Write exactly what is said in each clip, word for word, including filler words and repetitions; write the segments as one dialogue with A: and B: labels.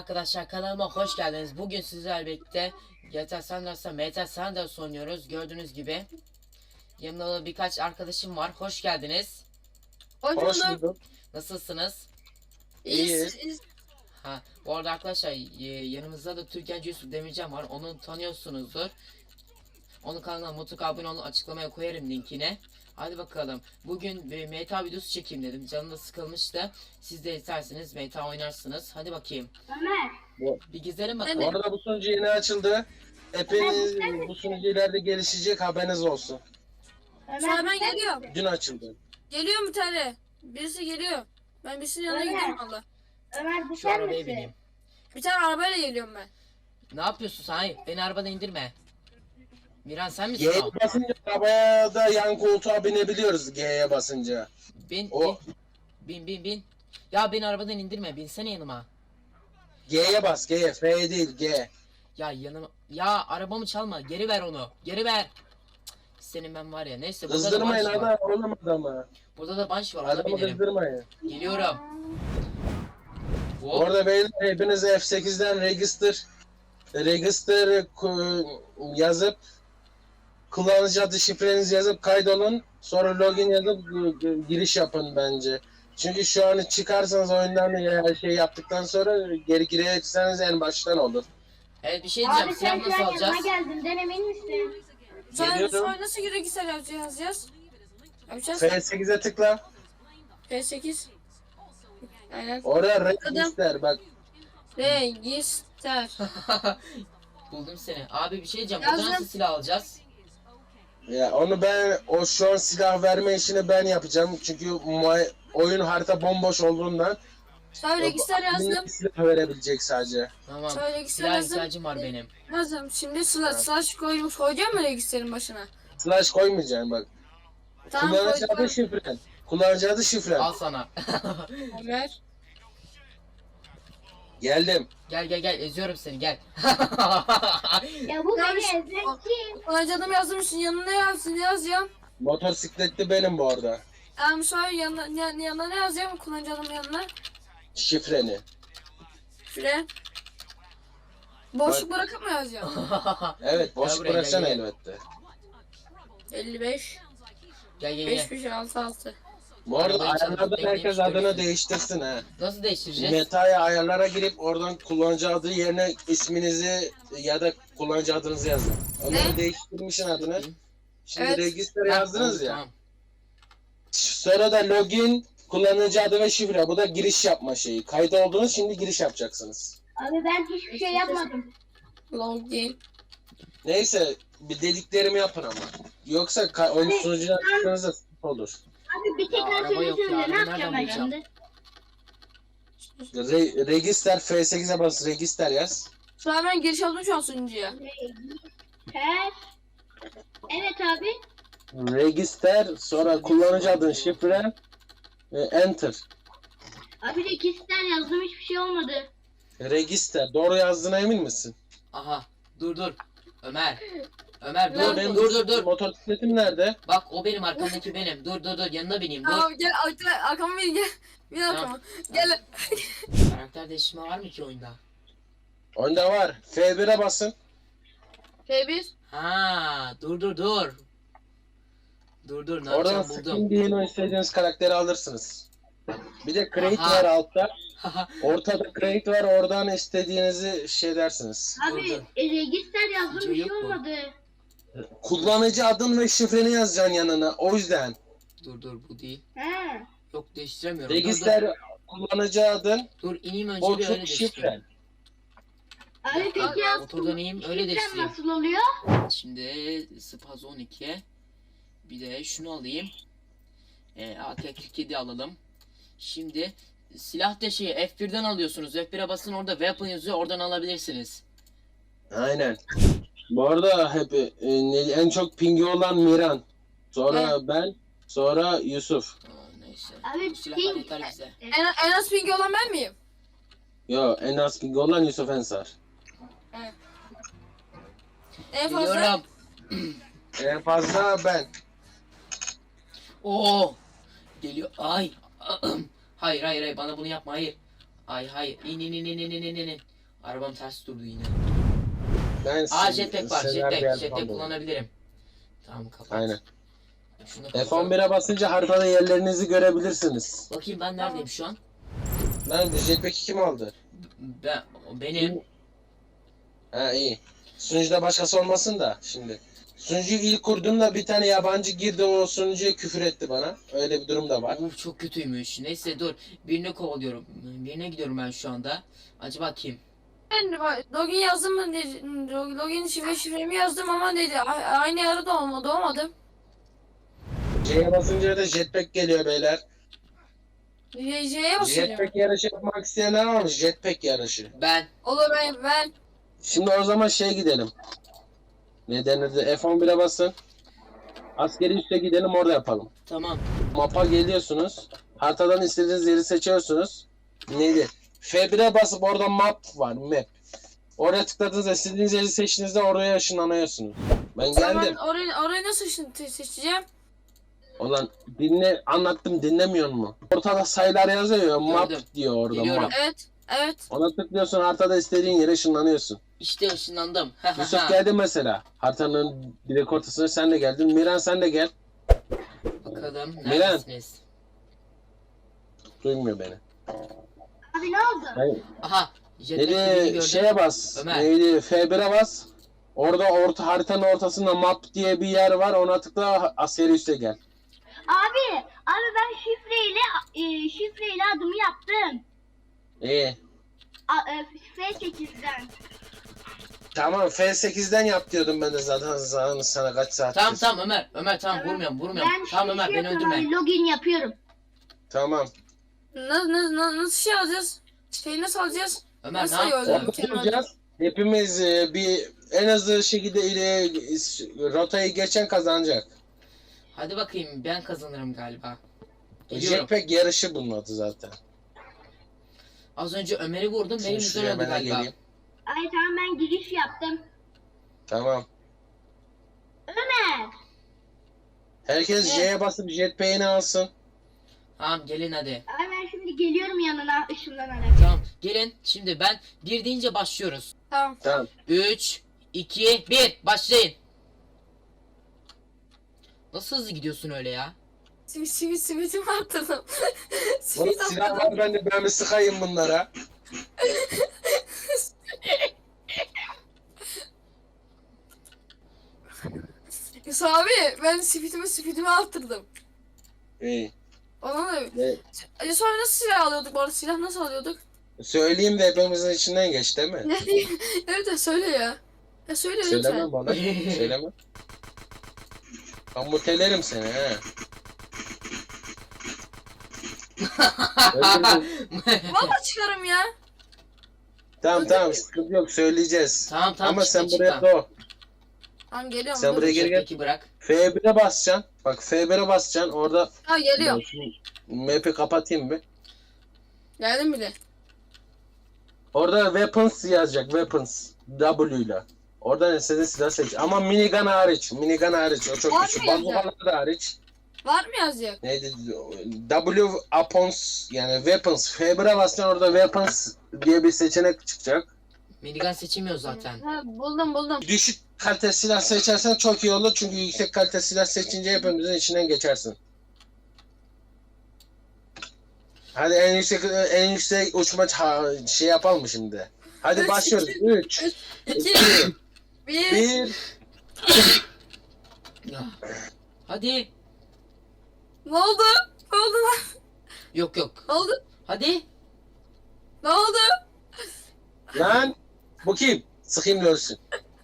A: arkadaşlar, kanalıma hoş geldiniz. Bugün sizlerle birlikte G T A San Andreas'ta Meta San Andreas oynuyoruz. Gördüğünüz gibi yanımda da birkaç arkadaşım var. Hoş geldiniz.
B: Hoş
C: Hoş
B: bulduk.
C: bulduk.
A: Nasılsınız?
B: İyiyiz.
C: İyi.
A: Ha, bu arada arkadaşlar y- yanımızda da Türkiye'ci Yusuf Demircan var. Onu tanıyorsunuzdur. Onun kanalına mutlaka abone olun, açıklamaya koyarım linkini. Hadi bakalım. Bugün bir Meta videosu çekeyim dedim. Canım da sıkılmıştı. Siz de isterseniz Meta oynarsınız. Hadi bakayım.
B: Ömer.
C: Bu,
A: Bir gezelim
C: bu
A: bakalım.
C: arada bu sunucu yeni açıldı. Hepiniz bu sunucu ileride gelişecek, haberiniz olsun.
B: Sonra ben geliyorum.
C: Dün açıldı.
B: Geliyor bir tane. Birisi geliyor. Ben birisinin yanına
D: Ömer.
B: gidiyorum valla.
D: Ömer bu
A: Şu
D: sen
A: arabaya
D: misin?
A: bineyim.
B: Bir tane arabayla geliyorum ben.
A: Ne yapıyorsun sen? Hayır, beni arabadan indirme. Miran sen misin
C: G'ye
A: o?
C: basınca arabaya da yan koltuğa binebiliyoruz G'ye basınca.
A: Bin,
C: O
A: bin, bin, bin, bin. Ya beni arabadan indirme, binsene yanıma.
C: G'ye bas, G'ye, F değil G.
A: Ya yanıma, ya arabamı çalma, geri ver onu, geri ver. Cık, senin ben var ya, neyse burada da
C: Kızdırmayın
A: bunch var.
C: adam, oğlum adamı.
A: Burada da bunch var, ona
C: Adamı
A: binelim.
C: kızdırmayın.
A: Geliyorum.
C: Bu
A: Hop.
C: arada beyler hepiniz F sekizden register register ku- yazıp kullanıcı adı şifrenizi yazıp kaydolun. Sonra login yazıp g- g- giriş yapın bence. Çünkü şu an çıkarsanız oyundan ya şey yaptıktan sonra geri girerseniz en baştan olur.
A: Evet, bir şey diyeceğim,
D: Abi sen
A: silah
D: şu
A: nasıl
D: an
A: alacağız?
D: yanıma geldin. Emin misin?
B: Sonra,
C: Geliyorum.
B: sonra nasıl bilgisayar yapacağız? yazacağız? Yapacağız.
C: F sekize tıkla.
B: P sekiz. Aynen.
C: Oraya register bak.
B: Register.
A: Buldum seni. Abi bir şey diyeceğim, burada
B: Yazdım.
A: nasıl silah alacağız?
C: Ya onu ben o şu an silah verme işini ben yapacağım. Çünkü mu- oyun harita bomboş olduğundan
B: Sonra register yazdım.
C: silah verebilecek sadece.
A: Tamam,
B: Sonra register
A: silah
B: yazdım.
A: ihtiyacım var benim.
B: Yazdım. Şimdi slash, slash koymuş. Koyacağım mı registerin başına?
C: Slash koymayacaksın bak.
B: Tamam
C: Kullanıcı adı
B: koydum.
C: şifren. Kullanıcı adı şifren.
A: Al sana.
B: Ömer.
C: Geldim.
A: Gel gel gel, eziyorum seni, gel.
D: Ya bu
B: Ya
D: beni
B: bir-
D: ezmek kim?
B: Kullanıcı adımı yazmışsın. Yanına ne yazsın? Ne yazacağım?
C: Motosikletli benim bu arada.
B: Tamam sonra yanına, yan- yanına ne yazacağım? Kullanıcı adımın yanına.
C: Şifreni.
B: Şuraya. Boşluk bırakıp mı yazacağım?
C: Evet boş
A: Gel buraya,
C: bırakacaksın
A: gel, gel.
C: elbette.
B: elli beş.
A: Gel gel
B: beş
A: gel.
B: beş altı altı.
C: Bu arada
A: Arabayı çalıp
C: ayarlarda
A: bekleyip
C: herkes
A: görürsün.
C: adını değiştirsin ha.
A: Nasıl değiştireceğiz?
C: Meta'ya ayarlara girip oradan kullanıcı adı yerine isminizi ya da kullanıcı adınızı yazın. Onları
B: Ne?
C: değiştirmişsin adını. Şimdi
B: Evet.
C: register
A: Ha,
C: yazdınız
A: oldu,
C: ya.
A: tamam.
C: Sonra da login, kullanıcı adı ve şifre. Bu da giriş yapma şeyi. Kayıt oldunuz, şimdi giriş yapacaksınız.
D: Abi ben hiçbir şey yapmadım.
B: Login.
C: Neyse bir dediklerimi yapın ama. Yoksa ka- oyun
D: Ne?
C: sunucudan çıktığınızda sıkıntı olur.
D: Abi bir tek
A: Ya, araba yok
D: söylesene
A: ya,
D: ne
A: ben
D: yapacağım ben
A: nereden
D: şimdi?
C: Re- register F sekize bas, register yaz.
B: Sonra ben giriş aldım şu an sunucuya.
D: Her. Evet abi.
C: Register, sonra kullanıcı adın, şifre, e, enter.
D: Abi register yazdım hiçbir şey olmadı.
C: Register, doğru yazdığına emin misin?
A: Aha, dur dur. Ömer. Ömer dur
B: Nerede?
C: Benim
A: dur dur dur.
C: motosikletim nerede?
A: Bak o benim, arkamdaki benim. Dur dur dur, yanına bineyim, dur.
B: Tamam gel arkama, arkama bin gel. Bin arkama. Gel.
A: Karakter değişimi var mı ki oyunda?
C: Onda var. F bire basın.
B: F bir.
A: Ha, dur dur dur. Dur dur, ne
C: Oradan
A: yapacağım buldum.
C: skin diye o istediğiniz karakteri alırsınız. Bir de crate
A: Aha.
C: var altta. Ortada crate var, oradan istediğinizi şey dersiniz.
D: Abi
A: Oldu.
D: e, register yazdım
A: Hiç
D: bir şey
A: yok mu?
D: olmadı.
C: Kullanıcı adın ve şifreni yazacaksın yanına. O yüzden.
A: Dur dur, bu değil.
D: He.
A: Yok, değiştiremiyorum. Dur
C: Register kullanıcı adın,
A: dur. Dur ineyim önce bir öyle
C: boşluk
A: değiştireyim.
C: şifren.
D: Abi peki
B: Abi,
D: ya
A: Motordan ineyim öyle
D: şifrem
A: değiştireyim.
D: nasıl oluyor?
A: Şimdi Spaz on iki. Bir de şunu alayım. E, A K kırk yedi alalım. Şimdi silah da şeyi F birden alıyorsunuz. F bire basın, orada weapon yazıyor, oradan alabilirsiniz.
C: Aynen. Bu arada hep e, ne- en çok pingi olan Miran. Sonra ben, sonra Yusuf.
A: Aa, neyse.
D: Abi,
A: Bu silahlar
D: ping-
A: yeter bize.
B: En, en az pingi olan ben miyim?
C: Yo en az pingi olan Yusuf Ensar.
B: En fazla.
A: Biliyorum.
C: En fazla ben.
A: Oo. Geliyor. Ay. Hayır hayır hayır, bana bunu yapma, hayır. Ay hayır. İn in in in in in in in. Arabam ters durdu yine.
C: Ben
A: Aa
C: siz-
A: jetpack var.
C: sizler bir
A: Jetpack.
C: yer
A: Jetpack
C: kalmadı.
A: kullanabilirim. Tamam kapat.
C: Aynen.
A: Şunu
C: F
A: kapat.
C: on bire basınca haritada yerlerinizi görebilirsiniz.
A: Bakayım ben neredeyim şu an?
C: Lan bu jetpack'i kim aldı?
A: Ben o benim.
C: Ha iyi. Sunucuda başkası olmasın da şimdi. Sunucuyu ilk kurduğumda bir tane yabancı girdi, o sunucuya küfür etti bana. Öyle bir durum da var.
A: Uf çok kötüymüş. Neyse dur. Birini kovalıyorum. Birine gidiyorum ben şu anda. Acaba kim?
B: Ben login yazdım mı? Ne- Login şifre şifremi yazdım ama dedi a- aynı arada olmadı olmadı.
C: C'ye basınca da jetpack geliyor beyler.
B: J- J'ye basıyorum.
C: Jetpack yarışı yapmak isteyenler varmış. Jetpack yarışı.
A: Ben.
B: Olur ben ben.
C: Şimdi o zaman şey gidelim. Ne denirdi? F on bire basın. Askeri üste gidelim, orada yapalım.
A: Tamam.
C: Mapa geliyorsunuz. Haritadan istediğiniz yeri seçiyorsunuz. Neydi? F bire basıp orada map var. Map. Oraya tıkladığınızda istediğiniz yeri seçtiğinizde oraya ışınlanıyorsunuz. Ben
B: Tamam,
C: geldim.
B: orayı, orayı nasıl seç- seçeceğim?
C: Ulan dinle, anlattım, dinlemiyor mu? Ortada sayılar yazıyor. Map
A: Gördüm.
C: diyor orada.
A: Geliyorum.
C: Map.
B: Evet. Evet.
C: Ona tıklıyorsun, haritada istediğin yere ışınlanıyorsun.
A: İşte ışınlandım.
C: Yusuf geldi mesela. Haritanın direkt ortasına sen de geldin. Miran sen de gel.
A: Bakalım
C: Miran.
A: neredesiniz?
C: Duymuyor beni.
D: Abi ne oldu?
C: Hayır.
A: Aha. Jetpack birini
C: Neydi?
A: gördüm.
C: Şeye bas.
A: Ömer.
C: Neydi? F bire bas. Orada orta haritanın ortasında map diye bir yer var. Ona tıkla, askeri üste gel.
D: Abi, abi ben şifreyle e, şifreyle adımı yaptım.
C: İyi.
D: A, e, F sekizden.
C: Tamam, F sekizden yap diyordum ben de zaten sana, sana kaç saat.
A: Tamam tamam Ömer. Ömer tamam
D: Tamam.
A: vurmuyorum vurmuyorum.
D: Ben
A: Tamam
D: şey
A: Ömer beni
D: yapıyorum
A: öldürme.
D: abi, login yapıyorum.
C: Tamam.
B: Na, na, na, nasıl şey alacağız? Şeyi nasıl alacağız?
A: Ömer
B: Nasıl
A: ne yaptın?
B: yolluyorum?
C: Orada duracağız. Hepimiz e, bir en hızlı şekilde ile rotayı geçen kazanacak.
A: Hadi bakayım ben kazanırım galiba. Geliyorum.
C: Jetpack yarışı bunun adı zaten.
A: Az önce Ömer'i vurdum. Benim
C: Şimdi
A: yüzümden
C: şuraya
A: öldü
C: ben de
A: galiba.
C: geleyim.
D: Ay tamam ben giriş yaptım.
C: Tamam.
D: Ömer.
C: Herkes J'ye basıp jetpack'ini alsın.
A: Tamam gelin hadi.
D: Ay ben şimdi geliyorum yanına ışınlanarak.
A: Tamam gelin. Şimdi ben bir deyince başlıyoruz.
B: Tamam.
C: Tamam.
A: üç, iki, bir başlayın. Nasıl hızlı gidiyorsun öyle ya?
B: Simit simit simitimi arttırdım.
C: Oğlum
B: Simit
C: silah
B: arttırdım.
C: var bende, ben bir sıkayım bunlara.
B: Yusuf abi ben simitimi simitimi arttırdım.
C: İyi.
B: Ona da...
C: Ne?
B: Yusuf abi nasıl silah alıyorduk bu arada? Silah nasıl alıyorduk?
C: Söyleyeyim de hepimizin içinden geç değil mi?
B: Evet de söyle ya. Ya söyle
C: Söyleme
B: lütfen.
C: bana. Söyleme. Ben mutelerim seni he. Öldürdüm.
B: Valla çıkarım ya.
C: Tamam tamam, sıkıntı yok, söyleyeceğiz.
A: Tamam tamam
C: Ama
A: çıkma,
C: sen buraya
A: çıkma.
C: doğ.
B: Tamam geliyorum.
C: Sen
B: dur.
C: buraya geri gel.
A: Jetpack'i bırak.
C: F bire basacaksın. Bak F bire basacaksın orada.
B: Ha geliyorum.
C: Map'i kapatayım bir.
B: Geldim bile.
C: Orada weapons yazacak, weapons. W ile. Oradan istediğin silah seç. Ama minigun hariç. Minigun hariç. O çok
B: Var
C: güçlü.
B: mı yazacak?
C: Bazukalar da hariç.
B: Var mı yazacak?
C: Neydi? W upons yani weapons. F bire basacaksın, orada weapons diye bir seçenek çıkacak.
A: Minigun seçemiyor zaten.
B: Ha, buldum buldum.
C: Düşük kalite silah seçersen çok iyi olur. Çünkü yüksek kalite silah seçince hepimizin içinden geçersin. Hadi en yüksek en yüksek uçma ça- şey yapalım mı şimdi? Hadi
B: Üç,
C: başlıyoruz.
B: iki,
C: üç,
B: İki,
C: iki,
B: bir.
C: bir.
A: Ya. Hadi.
B: Ne oldu? Ne oldu lan?
A: Yok yok.
B: Ne oldu?
A: Hadi.
B: Ne oldu?
C: Lan bu kim? Sıkayım da ölsün.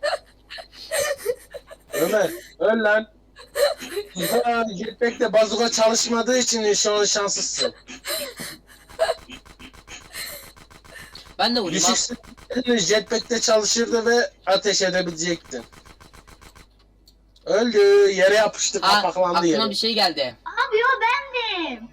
C: Ömer öl lan. Ha, jetpack'te bazuka çalışmadığı için şu an şanslısın.
A: Ben de vurayım. al.
C: Düşük jetpack'te çalışırdı ve ateş edebilecektin. Öldü. Yere yapıştı,
A: Aa,
C: kapaklandı
A: aklıma
C: yere.
A: bir şey geldi.
D: Abi o bendim.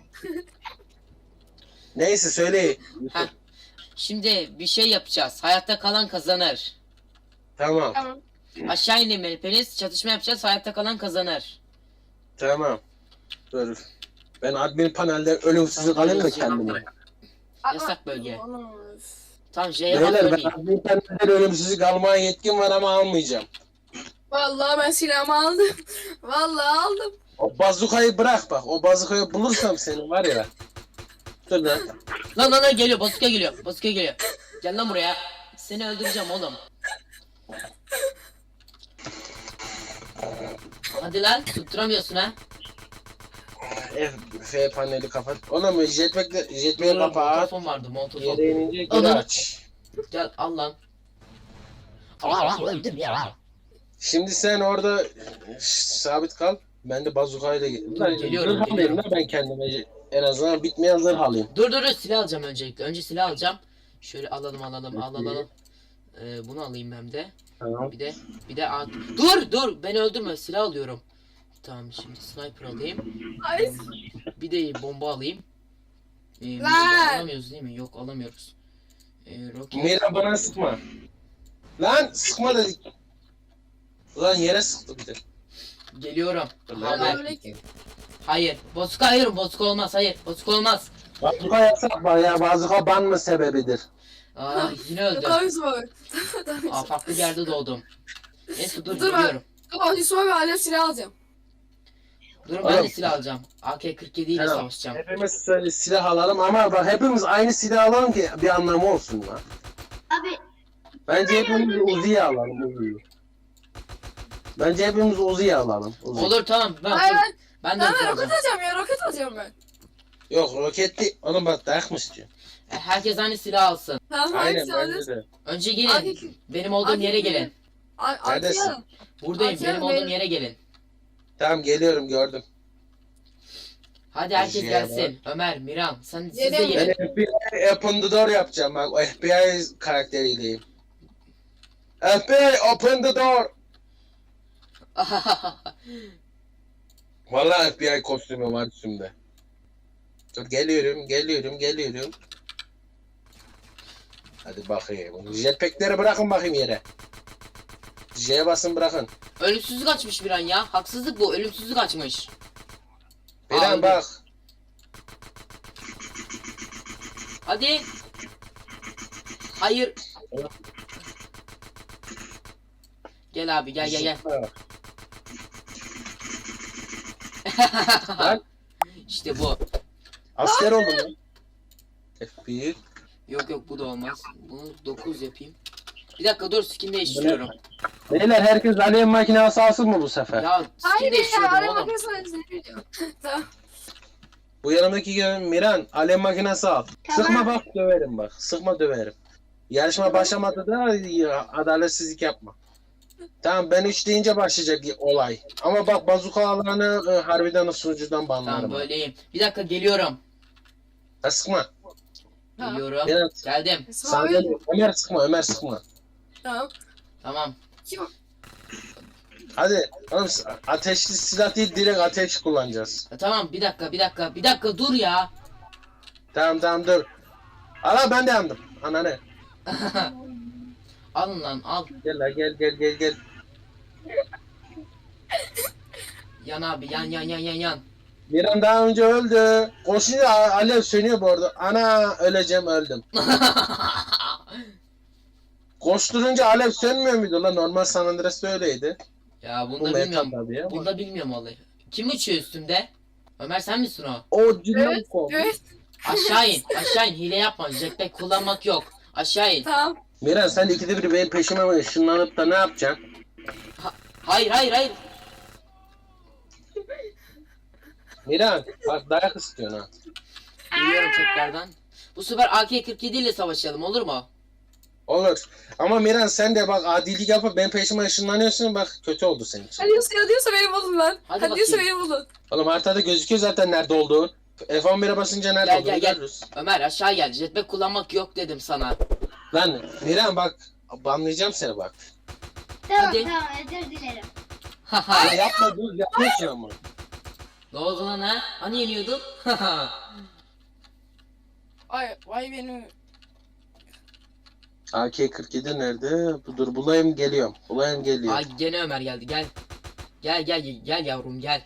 C: Neyse söyle.
A: Heh. Şimdi bir şey yapacağız. Hayatta kalan kazanır.
C: Tamam.
B: Tamam.
A: Aşağı inelim hepiniz. Çatışma yapacağız. Hayatta kalan kazanır.
C: Tamam. Dur. Ben admin panelde ölümsüzlük alayım da kendime.
A: Yasak bölge.
B: Anam.
A: Tamam J'ye
C: Beyler
A: basmayayım.
C: ben bir tane ölümsüzlük almaya yetkim var ama almayacağım.
B: Vallahi ben silahımı aldım. Vallahi aldım.
C: O bazukayı bırak bak. O bazukayı bulursam senin var ya. Dur lan.
A: Lan lan lan geliyor Bozka geliyor. Bozka geliyor. Gel lan buraya. Seni öldüreceğim oğlum. Hadi lan tutturamıyorsun ha.
C: F, F paneli kapat. Oğlum jetpack'le jetpack'i
A: Dur,
C: kapat.
A: Montofon vardı montofon.
C: Yere inince geri
A: Adam.
C: aç.
A: Gel al lan. Allah öldüm ya.
C: Şimdi sen orada şş, sabit kal. Ben de bazukayla
A: Dur,
C: Lan,
A: geliyorum,
C: zırh alayım
A: geliyorum.
C: lan ben kendime. En azından bitmeyen zırh alayım.
A: Dur dur dur silah alacağım öncelikle. Önce silah alacağım. Şöyle alalım alalım
C: Peki.
A: alalım. Ee, bunu alayım hem de.
C: Tamam.
A: Bir de bir de at. Dur dur beni öldürme silah alıyorum. Tamam şimdi sniper alayım.
B: Ay.
A: Bir de bomba alayım. Ee,
B: Lan!
A: bomba alamıyoruz değil mi? Yok alamıyoruz. Ee, roket.
C: Mira bana sıkma. Lan sıkma dedik. Ulan yere sıktı bir de.
A: Geliyorum.
C: Dur lan.
A: Haber.
B: Selamünaleyküm.
A: Hayır. Bozuk hayır. Bozuk olmaz. Hayır. Bozuk olmaz.
C: Bazuka yapsak bak ya bazuka ban mı sebebidir?
A: Aa yine öldüm.
B: Tamam Yusuf abi. Tamam
A: Aa
B: Yusuf.
A: farklı bir yerde doğdum. Neyse dur
B: Dur ben-
A: geliyorum.
B: Tamam Yusuf abi alev silah alacağım.
A: Dur ben de
C: Oğlum.
A: silah alacağım. A K kırk yedi ile
C: Tamam.
A: savaşacağım.
C: Hepimiz şöyle silah alalım ama bak hepimiz aynı silah alalım ki bir anlamı olsun lan.
D: Abi
C: Bence hepimiz Uzi'yi alalım Uzi'yi. Bence hepimiz Uzi'yi alalım. Uzi.
A: Olur tamam. Ben,
B: Hayır ben,
A: ben de
B: ben,
A: Uzi
B: ben roket
A: alacağım.
B: alacağım ya roket alacağım ben.
C: Yok roketli. Oğlum bak dayak mı istiyor?
A: E, Herkes aynı silah alsın.
B: Tamam
C: Aynen
B: hangisi
C: bence
B: alacağız?
C: de.
A: Önce
B: Hadi.
A: gelin. Benim olduğum
B: Hadi
A: yere
B: gelin.
A: gelin.
C: Neredesin?
B: Neredesin?
A: Buradayım.
B: Hadi
A: Benim
B: gelin,
A: olduğum
B: benim-
A: yere gelin.
C: Tamam geliyorum gördüm.
A: Hadi herkes
C: Şeye
A: gelsin. Ömer, Miran, sen siz de
B: Gelin.
C: Ben
A: gelin.
C: F B I Open the Door yapacağım bak. O F B I karakteriyleyim. F B I Open the Door. Vallahi F B I kostümü var üstümde. Dur geliyorum, geliyorum, geliyorum. Hadi bakayım. Jetpack'leri bırakın bakayım yere. J'ye basın bırakın.
A: Ölümsüzlük açmış bir an ya. Haksızlık bu. Ölümsüzlük açmış.
C: Bir an
A: Aldım.
C: bak.
A: Hadi. Hayır. Gel abi gel gel gel.
C: Lan.
A: İşte bu.
C: Asker oldum lan. F bir.
A: Yok yok bu da olmaz. Bunu dokuz yapayım. Bir dakika dur skin değiştiriyorum.
C: Beyler herkes alev makinesi alsın mı bu sefer?
A: Ya skin
B: Hayır ya
A: değiştiriyorum
B: alev
A: oğlum.
B: makinesi alacağım. Tamam.
C: Bu yanımdaki gelen Miran alev makinesi al.
D: Tamam.
C: Sıkma bak döverim bak. Sıkma döverim. Yarışma başlamadı da ya, adaletsizlik yapma. Tamam ben üç deyince başlayacak olay. Ama bak bazuka alanı e, harbiden sunucudan banlarım.
A: Tamam böyleyim. Bir dakika geliyorum.
C: Ha, sıkma.
B: Tamam.
A: Geliyorum.
C: Miran
A: Geldim.
B: Yusuf
C: sana
B: abi.
C: geliyor. Ömer sıkma Ömer sıkma.
B: Tamam.
A: Tamam.
B: Kim?
C: Hadi oğlum, ateşli silah değil direkt ateş kullanacağız.
A: Ya, tamam bir dakika bir dakika bir dakika dur ya.
C: Tamam tamam dur. Ala ben de yandım. Ananı.
A: Alın lan al.
C: Gel la gel gel gel gel.
A: Yan abi yan yan yan yan yan.
C: Miran daha önce öldü. Koşunca a- alev sönüyor bu arada. Ana öleceğim öldüm. Koşturunca alev sönmüyor muydu lan? Normal San Andreas'ta öyleydi.
A: Ya
C: Bu
A: bunda
C: meta
A: bilmiyorum.
C: tabii ya.
A: Bunda bilmiyorum olayı. Kim uçuyor üstümde? Ömer sen misin o?
C: O cümle
B: Evet,
C: bu.
B: Evet
A: Aşağı in. Aşağı in. Hile yapma. Jetpack kullanmak yok. Aşağı in.
B: tamam.
C: Miran sen ikide bir benim peşime ışınlanıp da ne yapacaksın?
A: Hayır hayır hayır.
C: Miran bak dayak istiyorsun ha.
A: Geliyorum tekrardan. Bu sefer A K kırk yedi ile savaşalım olur mu?
C: Olur. Ama Miran sen de bak adilik yapıp benim peşime ışınlanıyorsun bak kötü oldu senin için.
B: Hadi diyorsa, hadi diyorsa beni bulun lan.
A: Hadi
B: Hadi, diyorsa
A: bakayım.
B: beni bulun.
C: Oğlum haritada gözüküyor zaten nerede olduğun. F on bire basınca nerede
A: Gel,
C: olduğunu
A: gel, gel.
C: görürüz.
A: Ömer aşağı gel. Jetpack kullanmak yok dedim sana.
C: Lan Miran bak banlayacağım seni bak.
D: Tamam
A: Hadi.
D: tamam özür dilerim.
A: Haha.
C: Ya yapma dur yapıyorsun ama.
A: Ne oldu lan ha? Hani yeniyordun?
B: Ay vay benim.
C: A K kırk yedi nerede? Dur bulayım geliyorum. Bulayım geliyor.
A: Ay gene Ömer geldi gel. Gel gel gel yavrum gel.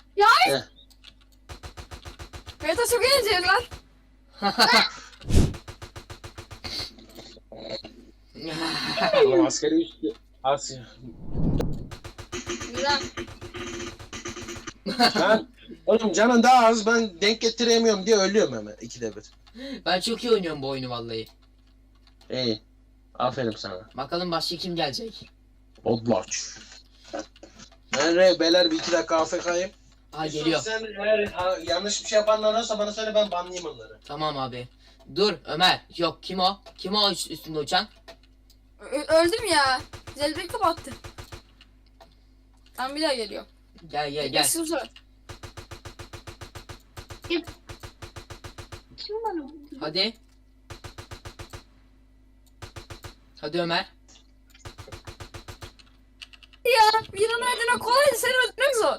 B: Meta çok eğlenceli lan.
C: Oğlum askeri üstü. As
B: Miran.
C: ben, oğlum canın daha az, ben denk getiremiyorum diye ölüyorum hemen ikide bir.
A: Ben çok iyi oynuyorum bu oyunu vallahi.
C: İyi. Aferin sana.
A: Bakalım başka kim gelecek?
C: Odlaç. Ben re, beyler bir iki dakika A F K'yim.
A: Ha geliyor.
C: Sen eğer ha, yanlış bir şey yapanlar olursa bana söyle, ben banlayayım onları.
A: Tamam abi. Dur Ömer. Yok kim o? Kim o üst- üstünde uçan?
B: Ö- öldüm ya. Zelbeyi kapattı. Tam bir daha geliyor.
A: Gel gel gel.
B: Sıfır.
D: Kim bana vurdu?
A: Hadi. Hadi Ömer.
B: Ya Miran öldürmek kolaydı, seni öldürmek zor.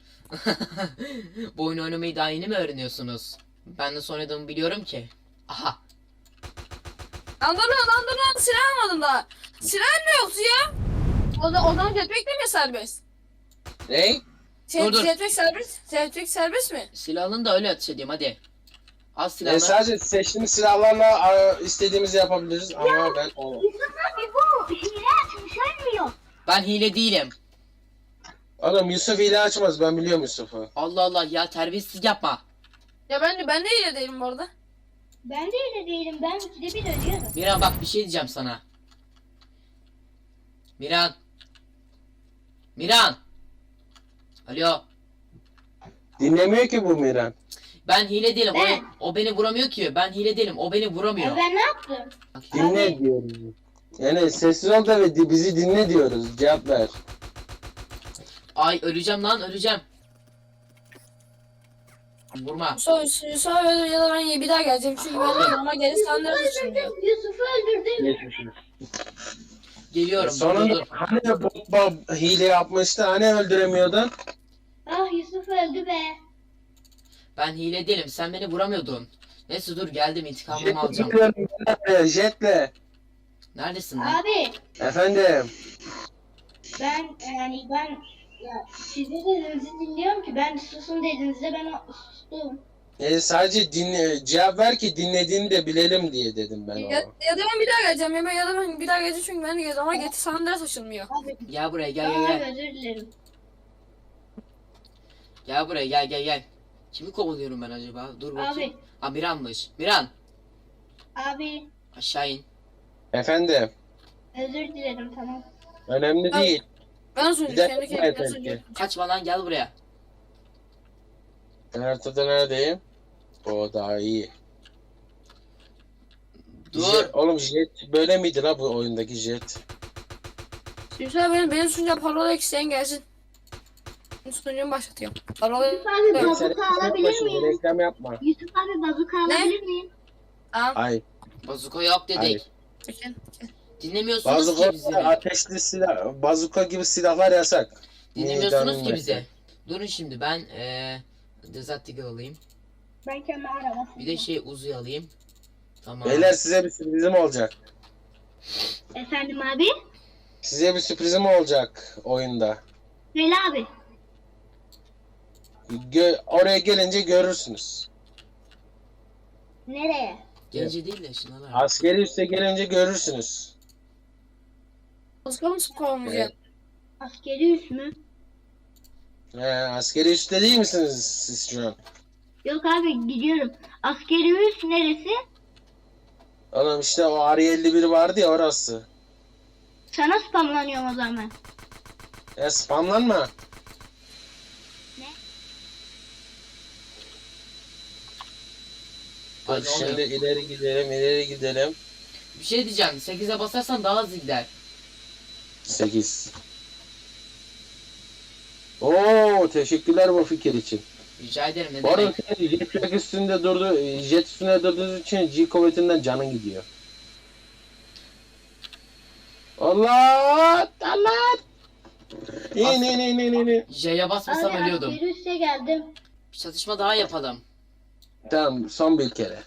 A: Bu oyunu oynamayı daha yeni mi öğreniyorsunuz? Ben nasıl oynadığımı biliyorum ki. Aha.
B: Lan dur lan lan dur lan, silah almadım daha. Silah ne yoktu ya? O, da, o zaman jetpack de mi serbest?
C: Ne?
B: Şey,
A: Dur, dur.
B: Jetpack serbest. Jetpack serbest mi?
A: Silahını da öyle ateş edeyim hadi. Al
C: E,
A: silahını.
C: sadece seçtiğimiz silahlarla a, istediğimizi yapabiliriz ama ben o.
D: Yusuf abi bu hile açmış ölmüyor.
A: Ben hile değilim.
C: Oğlum Yusuf hile açmaz, ben biliyorum Yusuf'u.
A: Allah Allah ya, terbiyesizlik yapma.
B: Ya ben de ben de iyi değilim bu arada.
D: Ben de öyle değilim. Ben ikide bir ölüyorum.
A: Miran bak bir şey diyeceğim sana. Miran. Miran. Alo.
C: Dinlemiyor ki bu Miran.
A: Ben hile değilim.
D: Ben-
A: O, o beni vuramıyor ki. Ben hile değilim. O beni vuramıyor.
D: Ya ben ne yaptım?
A: Bak,
C: Dinle diyoruz. Yani sessiz ol da ve di- bizi dinle diyoruz. Cevap ver.
A: Ay öleceğim lan, öleceğim. Vurma.
B: Sonra, sonra ya da ben bir daha geleceğim çünkü ben de ama geri sandıra taşınıyor.
D: Yusuf'u öldürdüm.
C: Geçmişim.
A: Geliyorum. Dur, dur,
C: Sonunda
A: dur.
C: hani bot bab hile yapmıştı, hani öldüremiyordun?
D: Ah Yusuf öldü be.
A: Ben hile değilim. Sen beni vuramıyordun. Neyse dur, geldim, intikamımı
C: Jetle
A: alacağım.
C: gidiyorum, jetle, jetle.
A: Neredesin lan?
D: Abi
C: Efendim.
D: ben yani ben ya sizin dediğinizi dinliyorum ki ben susun dediğinizde ben sustum.
C: E, sadece dinle, cevap ver ki dinlediğini de bilelim diye dedim ben
B: Ya,
C: ona.
B: ya da ben bir daha geleceğim ya, ben, ya da ben bir daha geleceğim çünkü ben de geleceğim ama geri sandıra taşınmıyor.
D: Abi,
A: Gel buraya, gel gel
D: abi
A: gel.
D: özür dilerim.
A: Gel buraya, gel gel gel. Kimi kovalıyorum ben acaba? Dur bakayım.
D: Abi,
A: Ha, Miran'mış. Miran.
D: abi
A: Aşağı in.
C: Efendim.
D: özür dilerim tamam.
C: Önemli
B: Abi,
C: değil.
B: Ben
C: Bir
B: sunucu
C: de
B: kendi
C: evet,
B: kendime
C: evet,
B: sunucu.
A: Kaçma lan, gel buraya.
C: Ben haritada neredeyim? O daha iyi.
A: Dur.
C: Jet, oğlum jet böyle miydi la bu oyundaki jet?
B: Yusuf benim, benim sunucuya parola isteyen gelsin. Sunucumu başlatıyorum. Parola
D: Yusuf abi
B: Evet.
D: bazuka alabilir
C: Şimdi
D: miyim?
C: reklam yapma.
D: Yusuf abi bazuka
B: Ne?
D: alabilir miyim?
B: tamam.
C: Ay.
A: Bazuka yok dedik.
C: Hayır.
B: Çekin.
A: Dinlemiyorsunuz ki
C: Bazuka,
A: bizi.
C: ateşli silah, bazuka gibi silahlar yasak.
A: Dinlemiyorsunuz ki
C: Meydan-
A: bizi. Durun şimdi, ben eee Desert Eagle alayım.
D: Ben kendi arabasını.
A: Bir de şey Uzi alayım. Tamam.
C: Beyler size bir sürprizim olacak.
D: Efendim abi?
C: Size bir sürprizim olacak oyunda.
D: Söyle abi.
C: Gö- oraya gelince görürsünüz.
D: Nereye?
A: Gence değil de şunlar.
C: Askeri üste gelince görürsünüz.
B: Bazuka mı kovalayacağım?
D: Askeri üs mü?
C: He, askeri üste değil misiniz siz şu an?
D: Yok abi gidiyorum. Askeri üs neresi?
C: Oğlum işte o R elli bir vardı ya, orası.
D: Sana spamlanıyorum o zaman.
C: Ya spamlanma.
D: Ne?
C: Dur
A: Ay, ne
C: şimdi
A: oluyor?
C: ileri gidelim, ileri gidelim.
A: Bir şey diyeceğim. sekize basarsan daha hızlı gider.
C: sekiz. Oo, teşekkürler bu fikir için.
A: Rica ederim, ne
C: Bu arada
A: demek.
C: senin jetpack üstünde durdu, jet üstünde durduğunuz için G kuvvetinden canın gidiyor. Allah! Allah! İn in in in in, in.
A: J'ye basmasam
D: Abi
A: ölüyordum.
D: askeri üsse geldim.
A: Bir çatışma daha yapalım.
C: Tamam, son bir kere.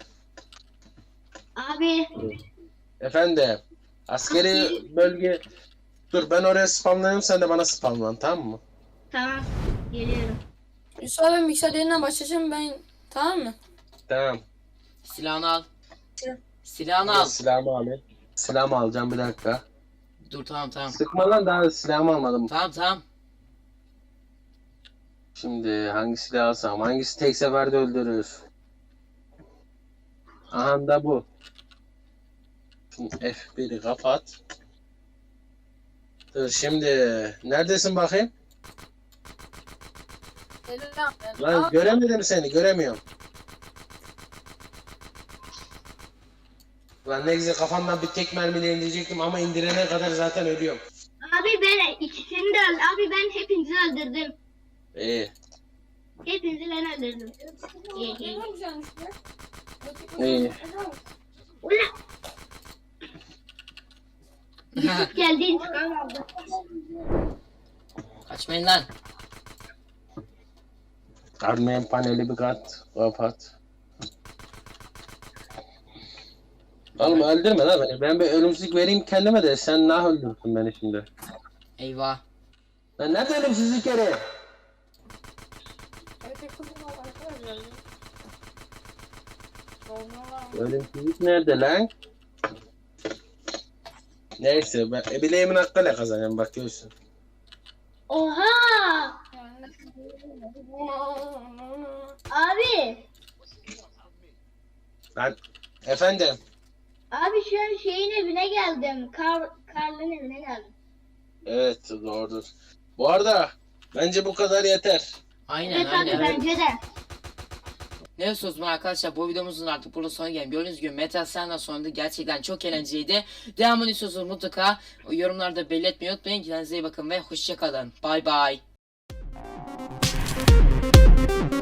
D: Abi
C: Efendim, askeri bölge... Dur ben oraya spamlanayım, sen de bana spamlan, tamam mı?
D: tamam geliyorum.
B: Yusuf abi mikser yerinden başlayacağım ben, tamam mı?
C: Tamam.
A: Silahını al.
B: Silah.
A: Silahını
C: Al.
A: al.
C: Silahımı alayım. Silahımı alacağım bir dakika.
A: Dur tamam tamam.
C: Sıkma lan, daha silahımı almadım.
A: Tamam tamam.
C: Şimdi hangi silah alsam? Hangisi tek seferde öldürür? Aha da bu. Şimdi F biri kapat. Dur şimdi. Neredesin bakayım?
B: Selam.
C: Lan göremedim seni, göremiyorum. Lan ne güzel kafamdan bir tek mermiyle indirecektim ama indirene kadar zaten ölüyorum.
D: Abi ben ikisini de öldürdüm. Abi ben hepinizi öldürdüm.
C: İyi.
D: Hepinizi ben öldürdüm. İyi iyi.
C: İyi.
D: Ulan geldi intikam aldı.
A: Kaçmayın lan.
C: Armayan paneli bir kat. Kapat. Oğlum öldürme lan beni. Ben bir ölümsüzlük vereyim kendime de sen nah öldürsün beni şimdi.
A: Eyvah.
C: Lan nerede ölümsüzlük yeri? Ölümsüzlük nerede lan? Neyse ben e, bileğimin hakkıyla kazanacağım bak görürsün.
D: Oha! Abi,
C: Ben efendim.
D: abi şu an şeyin evine geldim. Kar, Karl'ın evine geldim.
C: Evet doğrudur. Bu arada bence bu kadar yeter.
A: Aynen
D: Evet abi
A: aynen.
D: bence de.
A: Neyse o zaman arkadaşlar bu videomuzun artık burada sonuna gelin. Gördüğünüz gibi Metal Sand'dan sonra da gerçekten çok eğlenceliydi. Devamını istiyorsanız mutlaka yorumlarda belirtmeyi unutmayın. Kendinize iyi bakın ve hoşçakalın. Bay bay.